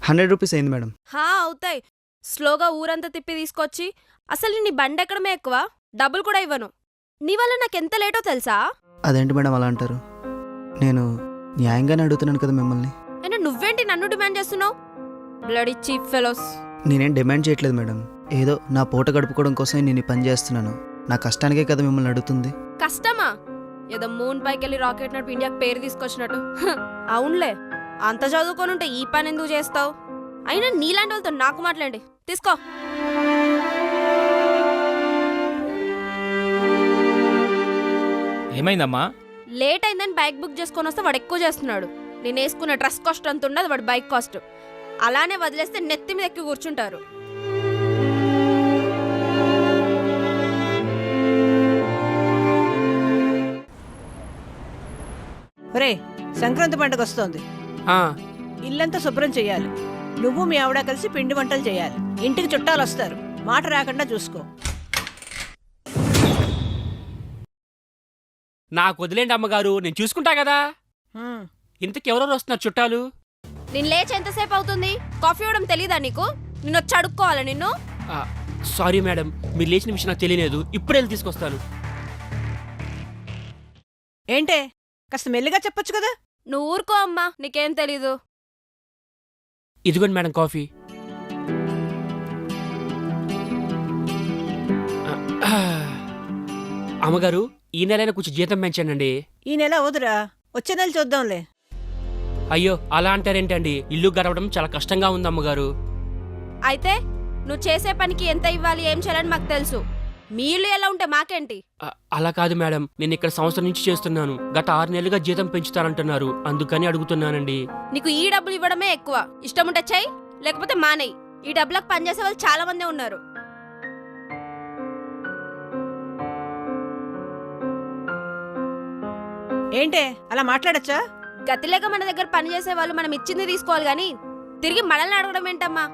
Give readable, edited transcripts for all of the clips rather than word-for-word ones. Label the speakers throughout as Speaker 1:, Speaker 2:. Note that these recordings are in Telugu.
Speaker 1: 100 రూపీస్ అయింది మేడం.
Speaker 2: అవుతాయి. స్లోగా ఊరంతా తిప్పి తీసుకొచ్చి అసలు నీ బండి ఎక్కడమే ఎక్కువ, డబ్బులు కూడా ఇవ్వను. నీ వల్ల నాకెంత లేటో తెలుసా?
Speaker 1: అదేంటి మేడం అలా అంటారు? నేను న్యాయంగానే అడుగుతున్నాను కదా మిమ్మల్ని.
Speaker 2: అయినా నువ్వేంటి నన్ను డిమాండ్ చేస్తున్నావు? Bloody cheap fellows.
Speaker 1: నేనేం డిమాండ్ చేయట్లేదు మేడం. ఏదో నా పూట గడుపుకోవడం కోసం నేను ఈ పని చేస్తున్నాను. నా కష్టానికే కదా మిమ్మల్ని అడుగుతుంది.
Speaker 2: కష్టమా? ఏదో మూన్ పైకెళ్ళి రాకెట్ నడిపి ఇండియాకి పేరు తీసుకొచ్చినట్టు. అవునులే, అంత చదువుకోనుంటే ఈ పని ఎందుకు చేస్తావు? అయినా నీలాంటి వాళ్ళతో నాకు మాట్లాడండి. తీసుకో.
Speaker 3: ఏమైందమ్మా?
Speaker 2: లేట్ అయిందని బైక్ బుక్ చేసుకొని వస్తే వాడు ఎక్కువ చేస్తున్నాడు. నేను వేసుకున్న డ్రెస్ కాస్ట్ అంత ఉండదు, వాడు బైక్ కాస్ట్. అలానే వదిలేస్తే నెత్తి మీద ఎక్కి కూర్చుంటారు.
Speaker 4: ఒరే, సంక్రాంతి పండుగ వస్తోంది. ఇల్లంతా శుభ్రం చెయ్యాలి. నువ్వు మీ ఆవిడ కలిసి పిండి వంటలు చేయాలి. ఇంటికి చుట్టాలు వస్తారు, మాట రాకుండా చూసుకో.
Speaker 3: నాకు వదిలేండి అమ్మగారు, నేను చూసుకుంటా కదా. ఇంతకు ఎవరెవరు వస్తున్నారు చుట్టాలు?
Speaker 2: నేను లేచి ఎంతసేపు అవుతుంది? కాఫీ ఇవ్వడం తెలీదా నీకు? నిన్ను వచ్చి అడుక్కోవాలా నిన్ను?
Speaker 3: సారీ మేడం, మీరు లేచిన విషయం నాకు తెలియలేదు. ఇప్పుడే వెళ్ళి తీసుకొస్తాను.
Speaker 4: ఏంటే, కాస్త మెల్లిగా చెప్పొచ్చు కదా.
Speaker 2: నువ్వు ఊరుకో అమ్మా, నీకేం తెలీదు.
Speaker 3: ఇదిగోండి మేడం కాఫీ. అమ్మగారు, ఈ నెలైనా కొంచెం జీతం పెంచానండి.
Speaker 4: ఈ నెల వదురా, వచ్చే నెల చూద్దాంలే.
Speaker 3: అయ్యో అలా అంటారేంటండి? ఇల్లు గడవడం చాలా కష్టంగా ఉంది అమ్మగారు.
Speaker 2: అయితే నువ్వు చేసే పనికి ఎంత ఇవ్వాలి, ఏం చేయాలని మాకు తెలుసు. మీ ఇల్లు ఎలా ఉంటే మాకేంటి?
Speaker 3: అలా కాదు మేడం, నేను ఇక్కడ సంవత్సరం నుంచి చేస్తున్నాను. గత 6 నెలలుగా జీతం పెంచుతారంటున్నారు, అందుకని అడుగుతున్నానండి.
Speaker 2: నీకు ఈ డబ్బులు ఇవ్వడమే ఎక్కువ. ఇష్టం ఉంటే చెయ్యి, లేకపోతే మానేయి. ఈ డబ్బులకు పనిచేసే వాళ్ళు చాలా మందే ఉన్నారు.
Speaker 4: ఏంటే అలా మాట్లాడచ్చా?
Speaker 2: గతి లేక మన దగ్గర పని చేసే వాళ్ళు మనం ఇచ్చింది తీసుకోవాలి గాని తిరిగి మనల్ని అడగడం ఏంటమ్మా?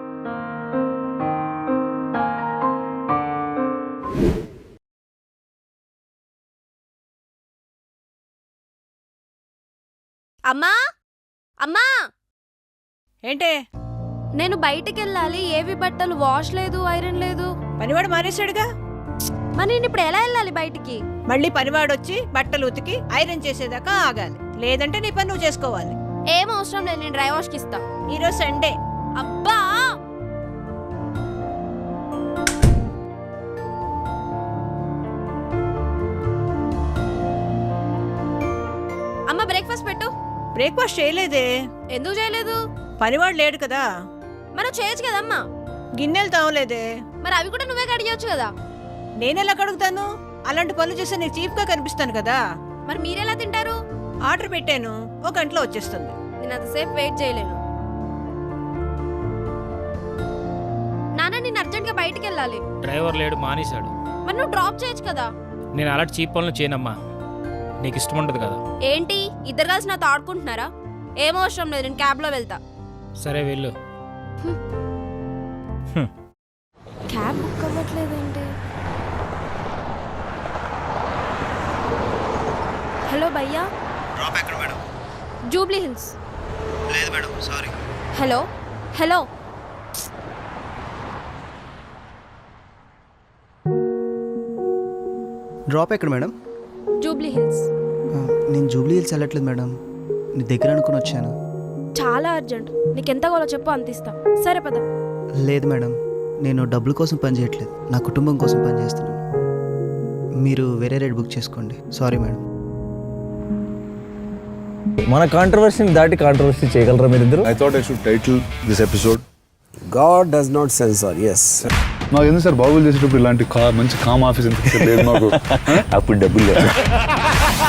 Speaker 2: అమ్మా అమ్మా,
Speaker 4: ఏంటే?
Speaker 2: నేను బయటికి వెళ్ళాలి. ఏవి బట్టలు వాష్ లేదు, ఐరన్ లేదు.
Speaker 4: పనివాడు మానేశాడుగా.
Speaker 2: మరి నేను ఇప్పుడు ఎలా వెళ్ళాలి బయటికి?
Speaker 4: మళ్ళీ పనివాడొచ్చి బట్టలు ఉతికి ఐరన్ చేసేదాకా ఆగాలి, లేదంటే నీ పని నువ్వు చేసుకోవాలి.
Speaker 2: ఏం అవసరం లేదు, నేను డ్రై వాష్కి ఇస్తా.
Speaker 4: ఈరోజు సండే.
Speaker 2: అబ్బా, అమ్మ బ్రేక్ఫాస్ట్ పెట్టు.
Speaker 4: బ్రేక్ఫాస్ట్ చేయలేదే.
Speaker 2: ఎందుకు చేయలేదు?
Speaker 4: పనివాడు లేడు కదా.
Speaker 2: మనం చేయొచ్చు కదమ్మా.
Speaker 4: గిన్నెలు తావలేదే.
Speaker 2: మరి అవి కూడా నువ్వే కడిగొచ్చు కదా.
Speaker 4: నేనెలా కడుగుతాను? అలాంటి పనులు చేస్తే నీకు చీప్ గా కనిపిస్తాను కదా.
Speaker 2: మరి మీరెలా తింటారు?
Speaker 4: ఆర్డర్ పెట్టాను, 1 గంటలో వచ్చేస్తుంది.
Speaker 2: నేను అంతసేపు వెయిట్ చేయలేను. నాన్న, నేను అర్జెంట్ గా బయటికి వెళ్ళాలి.
Speaker 3: డ్రైవర్ లేడు, మానేశాడు.
Speaker 2: మరి నువ్వు డ్రాప్ చేయొచ్చు కదా.
Speaker 3: నేను అలాంటి చీప్ పనులు చేయనమ్మా, నీకు ఇష్టం ఉండదు కదా.
Speaker 2: ఏంటి, ఇద్దరు కలిసి నాతో ఆడుకుంటున్నారా? ఏం అవసరం లేదు, నేను క్యాబ్ లో వెళ్తా.
Speaker 3: సరే వెళ్ళు.
Speaker 2: క్యాబ్ బుక్ అవ్వట్లేదేంటి? హలో భయ్యా.
Speaker 1: డ్రాప్ ఎక్కడ మేడం?
Speaker 2: జూబ్లీ హిల్స్.
Speaker 1: లేదు madam, sorry.
Speaker 2: Hello hello,
Speaker 1: drop ఎక్కడ మేడం?
Speaker 2: జూబ్లీ హిల్స్.
Speaker 1: నేను జూబ్లీ హిల్స్ వెళ్ళట్లేదు మేడం, నీ దగ్గర అనుకుని వచ్చాను.
Speaker 2: చాలా అర్జెంట్, నీకు ఎంత కావాలో చెప్పు, అంత ఇస్తా. సరే పద.
Speaker 1: లేదు మేడం, నేను డబ్బుల కోసం పని చేయట్లేదు, నా కుటుంబం కోసం పని చేస్తున్నాను. మీరు వేరే రేట్ బుక్ చేసుకోండి. Sorry madam.
Speaker 5: మన కాంట్రవర్సీని దాటి కాంట్రవర్సీ చేయగలరా మీరిద్దరు?
Speaker 6: I thought I should title this episode
Speaker 7: God does not censor. Yes.
Speaker 6: నాకు ఎందుకు సార్ బాబులు చేసేటప్పుడు ఇలాంటి మంచి కామ్ ఆఫీస్ ఎంత లేదు మాకు.
Speaker 5: అప్పుడు డబ్బులు